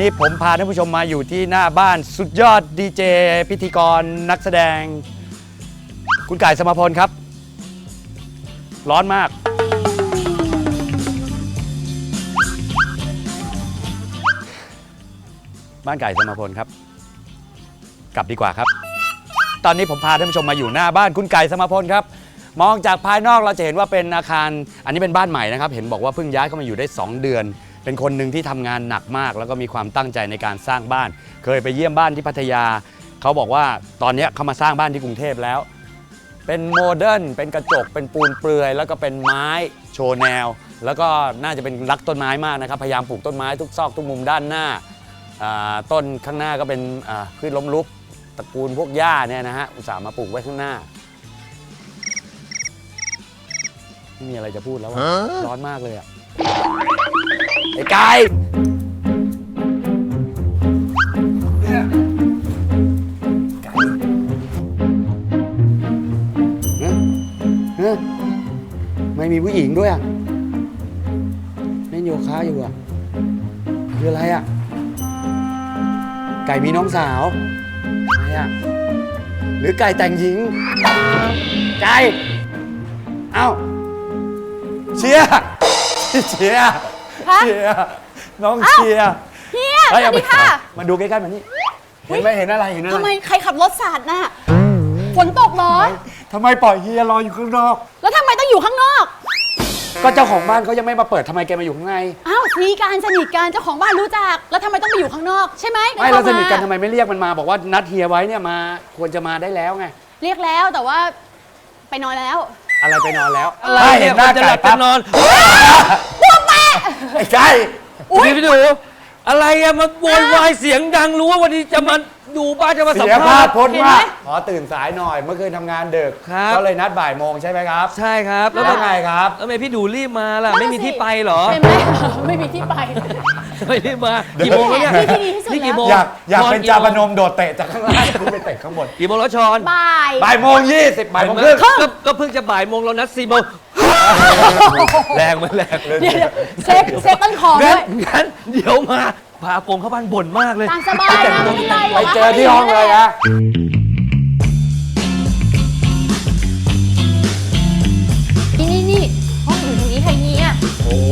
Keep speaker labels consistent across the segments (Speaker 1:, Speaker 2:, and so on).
Speaker 1: นี้ผมพาท่านผู้ชมมาอยู่ที่หน้าบ้านสุดยอดดีเจพิธีกรนักแสดงคุณไก่สมพลครับร้อนมากบ้านไก่สมพลครับกลับดีกว่าครับตอนนี้ผมพาท่านผู้ชมมาอยู่หน้าบ้านคุณไก่สมพลครับมองจากภายนอกเราจะเห็นว่าเป็นอาคารอันนี้เป็นบ้านใหม่นะครับเห็นบอกว่าเพิ่งย้ายเข้ามาอยู่ได้2 เดือนเป็นคนหนึ่งที่ทำงานหนักมากแล้วก็มีความตั้งใจในการสร้างบ้านเคยไปเยี่ยมบ้านที่พัทยาเขาบอกว่าตอนนี้เขามาสร้างบ้านที่กรุงเทพแล้วเป็นโมเดิร์นเป็นกระจกเป็นปูนเปลือยแล้วก็เป็นไม้โชว์แนวแล้วก็น่าจะเป็นรักต้นไม้มากนะครับพยายามปลูกต้นไม้ทุกซอกทุกมุมด้านหน้าต้นข้างหน้าก็เป็นพืชล้มลุกตระกูลพวกหญ้าเนี่ยนะฮะอุตส่าห์มาปลูกไว้ข้างหน้าไม่มีอะไรจะพูดแล้วร้อนมากเลยอ่ะไอ้ไก่ไม่มีผู้หญิงด้วยอ่ะเล่นโยคะอยู่อ่ะคืออะไรอ่ะไก่มีน้องสาวอะไรอ่ะหรือไก่แต่งหญิงไก่เอ้าเชียร์น้องเชียร์
Speaker 2: เฮียสวัสดีค่ะ
Speaker 1: มาดูใกล้ๆมานี่เห็นไหมเห็นอะไร
Speaker 2: ทำไมใครขับรถสาดน่ะฝนตกเหรอ
Speaker 1: ทำไมปล่อยเฮียรออยู่ข้างนอก
Speaker 2: แล้วทำไมต้องอยู่ข้างนอก
Speaker 1: ก็เจ้าของบ้านเขายังไม่มาเปิดทำไมแกมาอยู่ข้างใน
Speaker 2: อ้าวสนิทกันเจ้าของบ้านรู้จักแล้วทำไมต้องไปอยู่ข้างนอกใช่ไหม
Speaker 1: ไม่เราสนิทกันทำไมไม่เรียกมันมาบอกว่านัดเฮียไว้เนี่ยมาควรจะมาได้แล้วไง
Speaker 2: เรียกแล้วแต่ว่าไปนอนแล้ว
Speaker 1: อะไรไปนอนแล้ว
Speaker 3: อะไรเห็นหน้าไก่ปั๊บนอน
Speaker 2: พวกแม่
Speaker 1: ไอ้ไก่
Speaker 3: พี่ดูอะไรอะมาโวยวายเสียงดังรู้ว่าวันนี้จะมาดูบ้านจะมาสัมภาษณ์
Speaker 1: พ้นมากขอตื่นสายหน่อยเมื่อคืนทำงานดึกก็เลยนัดบ่ายโมงใช่ไหมครับ
Speaker 3: ใช่ครับ
Speaker 1: แล้วไงครับ
Speaker 3: แล้วทำไมพี่ดูรีบมาล่ะไม่มีที่ไปเหรอ
Speaker 2: ไม่มีที่ไป
Speaker 3: ไม่รีบมากี่โมงแล้วเนี่ย
Speaker 2: นี่
Speaker 3: กี่โมง
Speaker 1: อยากเป็นจาพนมโดดเตะจากข้างล่างขึ้นไปเตะข้างบน
Speaker 3: กี่โมงแล้วชอน
Speaker 1: บ่ายโมง20บ่ายโมงครึ่ง
Speaker 3: ก็เพิ่งจะบ่ายโมงเรานัด4 โมงแรงมันแรง
Speaker 2: เซ็ตต้นคอด้วย
Speaker 3: งั้นเดี๋ยวมาพาโกงเข้าบ้านบ่นมากเลย
Speaker 2: ตามสบายนะไม่เป็นไร
Speaker 1: ไปเจอที่ห้องเลยนะ
Speaker 2: นี่ห้องอยู่ตรงนี้ใครเนี่ย
Speaker 1: โอ้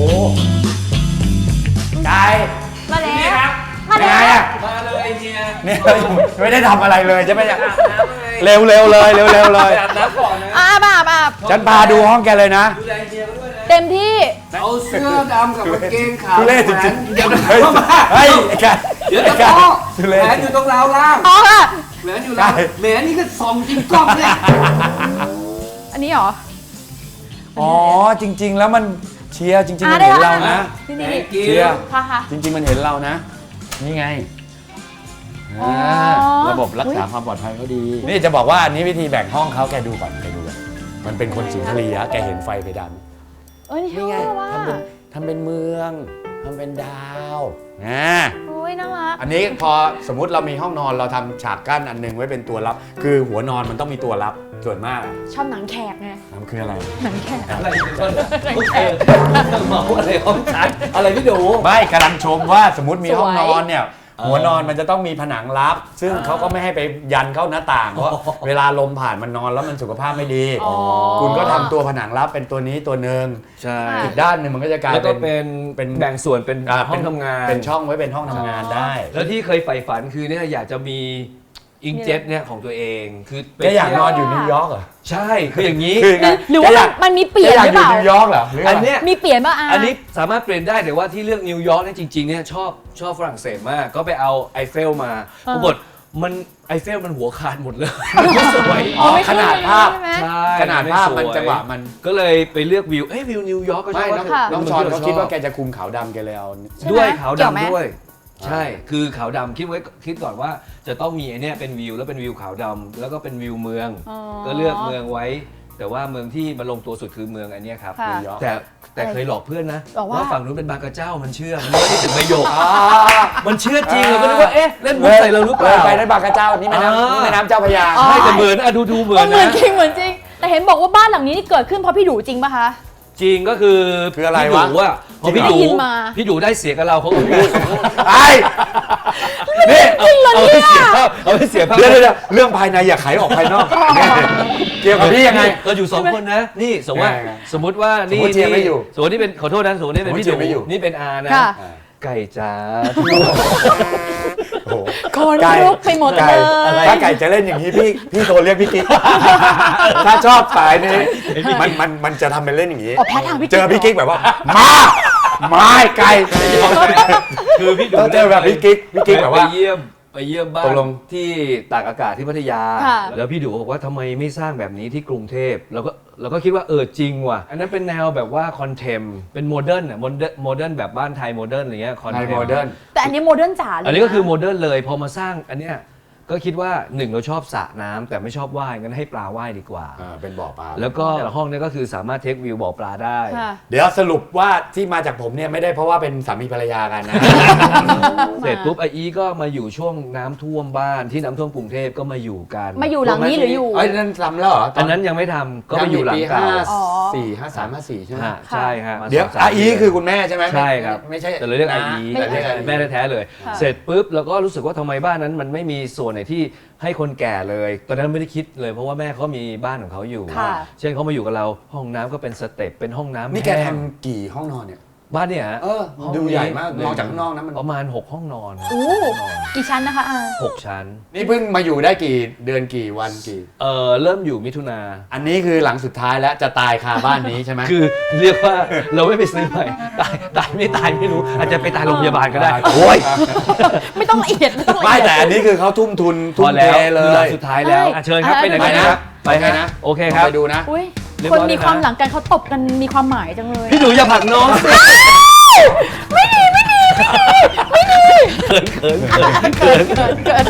Speaker 1: ไก่
Speaker 2: มาแล้ว
Speaker 1: มา
Speaker 3: เลยเฮีย
Speaker 1: เนี่ยไม่ได้ทำอะไรเลยใช่ไหมเนี่ยเร็วเลย
Speaker 3: อาบน้ำก่อนนะ
Speaker 2: อาบ
Speaker 1: ฉันพาดูห้องแกเลยนะ
Speaker 3: ดูแลเฮียก็ด้วยนะ
Speaker 2: เต็มที่
Speaker 3: เอาเสื้อดำกับกางเกงขาว
Speaker 1: ทุเรศจริง
Speaker 3: ๆเดี๋ยว
Speaker 1: เฮ้ยแก
Speaker 3: เดี๋ยวจะพ่อแหวนอยู่ตรงราวล่าง
Speaker 2: อ๋อค่ะ
Speaker 3: แหวนอยู่ล่างแหวนนี่ก็ส่องจริงกล้องเลย
Speaker 2: อันนี้เหรอ
Speaker 1: อ๋อจริงๆแล้วมันเชียร์จริงๆมันเห็นเรานะเชียร์จริงๆมันเห็นเรานะนี่ไงระบบรักษาความปลอดภัยเขาดีนี่จะบอกว่าอันนี้วิธีแบ่งห้องเขาแกดูก่อนมันเป็นคนสุนทรียะแกเห็นไฟเพดาน
Speaker 2: นี่ไง
Speaker 1: ทำเป็นเมืองทำเป็นดาว
Speaker 2: โอ้ยน่ารัก
Speaker 1: อันนี้พอสมมุติเรามีห้องนอนเราทำฉากกั้นอันนึงไว้เป็นตัวรับคือหัวนอนมันต้องมีตัวรับส่วนมาก
Speaker 2: ชอบหนังแขกไง
Speaker 1: มันคืออะไร
Speaker 2: หนังแขก
Speaker 3: อะไรหมออะไรห้องชัดอะไรพี่ดู
Speaker 1: ไม่กำลังชมว่าสมมติมีห้องนอนเนี่ยหัวนอนมันจะต้องมีผนังลับซึ่งเขาก็ไม่ให้ไปยันเข้าหน้าต่างเพราะเวลาลมผ่านมันนอนแล้วมันสุขภาพไม่ดีคุณก็ทำตัวผนังลับเป็นตัวนี้ตัวหนึ่งอีกด้านหนึ่งมันก็จะกลาย
Speaker 3: เป็นแบ่งส่วนเป็นห้องทำงาน
Speaker 1: เป็นช่องไว้เป็นห้องทำงานได้
Speaker 3: แล้วที่เคยใฝ่ฝันคือเนี่ยอยากจะมีอิงเจ็ตเนี่ยของตัวเองคือ
Speaker 1: แกอยากนอนอยู่นิวยอร์กเหรอ
Speaker 3: ใช่คืออย่างนี้
Speaker 2: หรือว่ามันมีเปลี่ยนหรือเปล่า
Speaker 1: นิวยอร์กเหรอ
Speaker 3: อันเนี้ย
Speaker 2: มีเปลี่ยนป่ะ
Speaker 3: อันนี้สามารถเปลี่ยนได้แต่ว่าที่เลือกนิวยอร์กเนี่ยจริงๆเนี่ยชอบฝรั่งเศสมากก็ไปเอาไอเฟลมาปรากฏมันไอเฟลมันหัวขาดหมดเลยไม่สวย
Speaker 1: ขนาดภาพ
Speaker 3: ใช่
Speaker 1: ขนาดภาพมันจังหวะมัน
Speaker 3: ก็เลยไปเลือกวิววิวนิวยอร์กก็ชอบ
Speaker 1: น้องชอนเขาคิดว่าแกจะคุมขาวดำแกเลยเอา
Speaker 3: ด้วยขาวดำด้วยใช่คือขาวดำคิดก่อนว่าจะต้องมีไอเนี้ยเป็นวิวแล้วเป็นวิวขาวดำแล้วก็เป็นวิวเมืองก็เลือกเมืองไว้แต่ว่าเมืองที่มาลงตัวสุดคือเมืองอันนี้ครับแต่เคยหลอกเพื่อนนะว่าฝั่งนู้นเป็นบางกระเจ้ามันเชื่อมันไม่ได้ถึงประโยคมันเชื่อจริงเราก็นึกว่าเอ๊ะเล่นมุกใส่เราหรือเปล่า
Speaker 1: ไปได้บางกระเจ้านี่แม่น้ำเจ้าพระยา
Speaker 3: ใช่แต่เหมือนดูเหมือน
Speaker 2: นะเหมือนจริงแต่เห็นบอกว่าบ้านหลังนี้นี่เกิดขึ้นเพราะพี่ดูจริงป่ะคะ
Speaker 3: จริงก็คือ
Speaker 1: อะไรวะ
Speaker 3: พอพี่
Speaker 2: ได้
Speaker 3: ดู
Speaker 2: ยินมา
Speaker 3: พี่ดูได้เสียกับเราเขาก็พูด
Speaker 1: ไอ้นี่
Speaker 3: เอาให้เสียภาพเอาให้เสียภาพ
Speaker 1: เดี๋ยวเรื่องภายในอย่าไขออกภายนอกเกี่ยวกับพี่ยังไง
Speaker 3: เราอยู่สองคนนะ นี่สมมติว่า
Speaker 1: ยังไง
Speaker 3: สมมติว่านี่
Speaker 1: สมมุติเชียร์ไม่อยู่
Speaker 3: สมมตินี่เป็นขอโทษนะสมมตินี่เป็นพี่
Speaker 1: สมมุติเชียร์ไม่อยู่
Speaker 3: ดูนี่เป็นอานะ
Speaker 2: ค่ะ
Speaker 3: ไก่จ้า
Speaker 1: โอ้โห
Speaker 2: คน
Speaker 1: ไก่
Speaker 2: ลุกไปหมด
Speaker 1: ไก่
Speaker 2: เลย
Speaker 1: ถ้าไก่จะเล่นอย่างนี้พี่โทรเรียกพี่กิ๊กถ้าชอบสายนี้มันจะทำเป็นเล่นอย่างนี้
Speaker 2: อ๋อแพ้ทางพี่กิ๊ก
Speaker 1: เจอพี่กิ๊กแบบว่ามาไก่
Speaker 3: คือพี่ดู
Speaker 1: ต้องเจอแบบพี่กิ๊กแบบว่า
Speaker 3: ไปเยี่ยมบ้า
Speaker 1: ต
Speaker 3: น
Speaker 1: กลง
Speaker 3: ที่ตากอากาศที่พัทยา
Speaker 2: ค่ะ
Speaker 3: แล้วพี่ดูบอกว่าทำไมไม่สร้างแบบนี้ที่กรุงเทพเราก็คิดว่าจริงว่ะอันนั้นเป็นแนวแบบว่าคอนเทมเป็นโมเดิร์นอ่ะโมเดิร์นแบบบ้านไทยโมเดิร์นอะไรเงี้ยคอน
Speaker 1: ไท
Speaker 3: เท
Speaker 1: ย
Speaker 3: ม
Speaker 1: โมเดิร์น
Speaker 2: แต่อันนี้โมเดิร์นจ๋าเลย
Speaker 3: อันนี้ก็คือ
Speaker 2: นะ
Speaker 3: โมเดิร์นเลยพอมาสร้างอันเนี้ยก็คิดว่าหนึ่งเราชอบสระน้ำแต่ไม่ชอบว่ายงั้นให้ปลาว่ายดีกว่า
Speaker 1: เป็นบ่อปลา
Speaker 3: แล้วก็ห้องเนี้ก็คือสามารถเทควิวบ่อปลาได้
Speaker 2: ค่ะ
Speaker 1: เดี๋ยวสรุปว่าที่มาจากผมเนี่ยไม่ได้เพราะว่าเป็นสามีภรรยากันนะ
Speaker 3: เสร็จปุ๊บไออีก็มาอยู่ช่วงน้ำท่วมบ้านที่น้ำท่วมกรุงเทพก็มาอยู่กัน
Speaker 2: มาอยู่หลังนี้หรืออยู่
Speaker 1: เอ้ยนั่นทำแล้วเหรอ
Speaker 3: อันนั้นยังไม่ทำก็ไปอยู่หลังเก่า
Speaker 2: อ๋อ
Speaker 1: 53 54ใช่ไหม
Speaker 3: ฮะใช่ฮะมา
Speaker 1: เดี๋ยว
Speaker 3: 2-3
Speaker 1: อาอีคือคุณแม่ใช่ไหม
Speaker 3: ใช่ครับ
Speaker 1: ไม่ใช่
Speaker 3: แต่เราเรียกไออี
Speaker 1: แต่เรียกอาอี
Speaker 3: แม่แท้ๆเลย
Speaker 2: ค่ะ
Speaker 3: เสร็จปุ๊บเราก็รู้สึกว่าทำไมบ้านนั้นมันไม่มีส่วนไหนที่ให้คนแก่เลย ตอนนั้นไม่ได้คิดเลยเพราะว่าแม่เขามีบ้านของเขาอยู่
Speaker 2: ค่ะ
Speaker 3: เช่นเขามาอยู่กับเราห้องน้ำก็เป็นสเต็ปเป็นห้องน้ำ
Speaker 1: นี่แก
Speaker 3: ห้ง
Speaker 1: ทำกี่ห้องนอนเนี่ย
Speaker 3: บ้านเนี่ยฮะ
Speaker 1: ดูใหญ่มากมองจากข้างนอกนะมัน
Speaker 3: ประมาณ 6 ห้องนอน
Speaker 2: โอ้กี่ชั้นนะคะอา
Speaker 3: 6 ชั้น
Speaker 1: นี่เพิ่งมาอยู่ได้กี่เดือนกี่วันกี่
Speaker 3: เริ่มอยู่มิถุนา
Speaker 1: อันนี้คือหลังสุดท้ายแล้วจะตายคาบ้านนี้ใช่ไหม
Speaker 3: คือเรียกว่าเราไม่ไปซื้อใหม่ตายไม่ตายไม่รู้ อาจจะไปตายโรงพยาบาลก็ได้
Speaker 1: โอ้ย
Speaker 2: ไม่ต้องละเอียดไม่ต้องละ
Speaker 1: ไม่
Speaker 2: เอียด
Speaker 1: แต่อันนี้คือเขาทุ่มทุน
Speaker 3: พ
Speaker 1: ทุ่
Speaker 3: อ
Speaker 1: ม
Speaker 3: แล้
Speaker 1: เท
Speaker 3: ว
Speaker 1: เล
Speaker 3: คือหลั
Speaker 1: ย
Speaker 3: งสุดท้ายแล้ว
Speaker 2: เอ้ย
Speaker 3: เชิญครับไปไหน
Speaker 2: ไป
Speaker 3: กัน
Speaker 2: นะ
Speaker 3: นะครับไปฮะ
Speaker 1: นะ
Speaker 3: โอเคครับ
Speaker 1: ไปดูนะ
Speaker 2: อุ้ย
Speaker 3: เรียบ
Speaker 2: คน
Speaker 3: ร้อย
Speaker 2: มี
Speaker 3: เลยนะ
Speaker 2: ความหลังกันเขาตบกันมีความหมายจังเลย
Speaker 3: พี่หนูอย่าผลักน้องสิ
Speaker 2: เกิน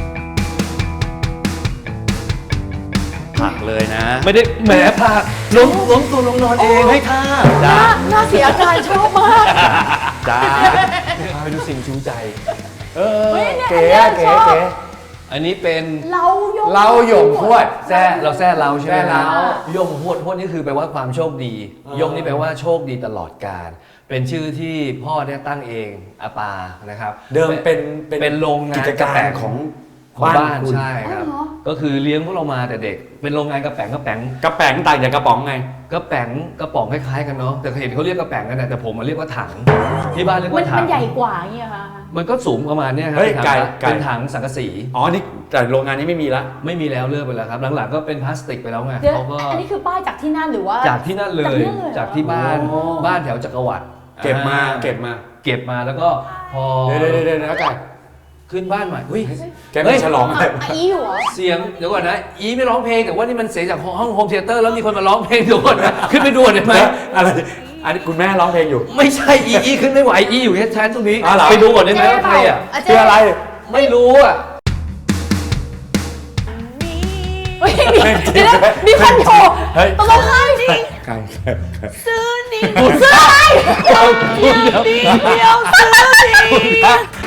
Speaker 1: ผักเลยนะ
Speaker 3: ไม่ได้แหมผลักล้มตัวลงนอนเองให้ท่า
Speaker 2: น่าเสียอาการชอบมาก
Speaker 1: จ้า
Speaker 3: พาไปดูสิ่งชูใจ
Speaker 2: เฮ้ยเนี่ย
Speaker 1: เก๋
Speaker 2: อันเนี้ย
Speaker 1: เก๋
Speaker 2: ชอบ
Speaker 1: เก๋
Speaker 3: อันนี้เป็น
Speaker 2: เราโยง
Speaker 1: เราหยงพวด
Speaker 3: แซ่เราแซ่เราใช่ไหม
Speaker 1: แซ่เรา
Speaker 3: ยงหวดหวดนี่คือแปลว่าความโชคดี ยงนี่แปลว่าโชคดีตลอดกาลเป็นชื่อที่พ่อเนี่ยตั้งเองอาปานะครับ
Speaker 1: เดิมเป็น
Speaker 3: เป็นโรงงาน
Speaker 1: กิจการของ
Speaker 3: ของบ้าน
Speaker 1: คุณ
Speaker 3: ใช่ครับ ก็คือเลี้ยงพวกเรามาแต่เด็ก เป็นโรงงานกระแป๋ง
Speaker 1: กระแป๋งต่างจากกระป๋องไง
Speaker 3: กระแป๋งกระป๋องคล้ายๆกันเนาะแต่เห็นเขาเรียกกระแป๋งกันนะแต่ผมมาเรียกว่าถังที่บ้านเรียก
Speaker 2: มัน
Speaker 3: ว่าถั
Speaker 2: มั
Speaker 3: ง
Speaker 2: นใหญ่กว่าอย่างเงี้ยค่ะ
Speaker 3: มันก็สูงประมาณเนี้ยครั
Speaker 1: เฮ้ย
Speaker 3: เป็น
Speaker 1: ไก่
Speaker 3: ถัง
Speaker 1: ไก่
Speaker 3: เป็นถังสังกะสี
Speaker 1: อ๋อนี่แต่โรงงานนี้ไม่มีละ
Speaker 3: ไม่มีแล้วเลิกไปแล้วครับหลังๆก็เป็นพลาสติกไปแล้วไง
Speaker 2: เดี๋ยว
Speaker 3: เขาก็
Speaker 2: อันนี้คือป้ายจากที่นั่นหรือว่า
Speaker 3: จากที่นั่นเลย จากที่บ้าน
Speaker 1: อ๋อ
Speaker 3: บ้านแถวจักรวรรดิ
Speaker 1: เก็บมา
Speaker 3: อ่
Speaker 1: เก็บมา
Speaker 3: เก็บมาแล้วก็พอ
Speaker 1: เดี๋ยวนะไก่
Speaker 3: ขึ้นบ้านใหม่อุ้ย
Speaker 1: แกไม่ฉลองอะไร
Speaker 2: อีอยู่เหรอ
Speaker 3: เสียงเดี๋ยวก่อนนะอีไม่ร้องเพลงแต่ว่านี่มันเสียงจากห้องโฮมเธียเตอร์แล้วมีคนมาร้องเพลงเดี๋ยวก่อนนะขึ้นไปดูหน่อยไหม
Speaker 1: อะไรอันนี้คุณแม่ร้องเพลงอยู่
Speaker 3: ไม่ใช่อีขึ้นไม่ไหวอีอยู่แค่ชั้นตรงนี้
Speaker 1: อ๋อเหรอ
Speaker 3: ไปดูก่อนได้ไหมว่าใครอ่ะ
Speaker 2: เจ๊
Speaker 1: คืออะไร
Speaker 3: ไม่รู้อ่ะ
Speaker 2: เฮ้ยเดี๋ยวนะมีคนโทร
Speaker 1: เฮ้ย
Speaker 2: ตกลงใครดิ
Speaker 1: ไก่
Speaker 2: ซื้อนี่ซื้ออะไร
Speaker 3: เดี๋ยว
Speaker 2: เดียวซื้อนี่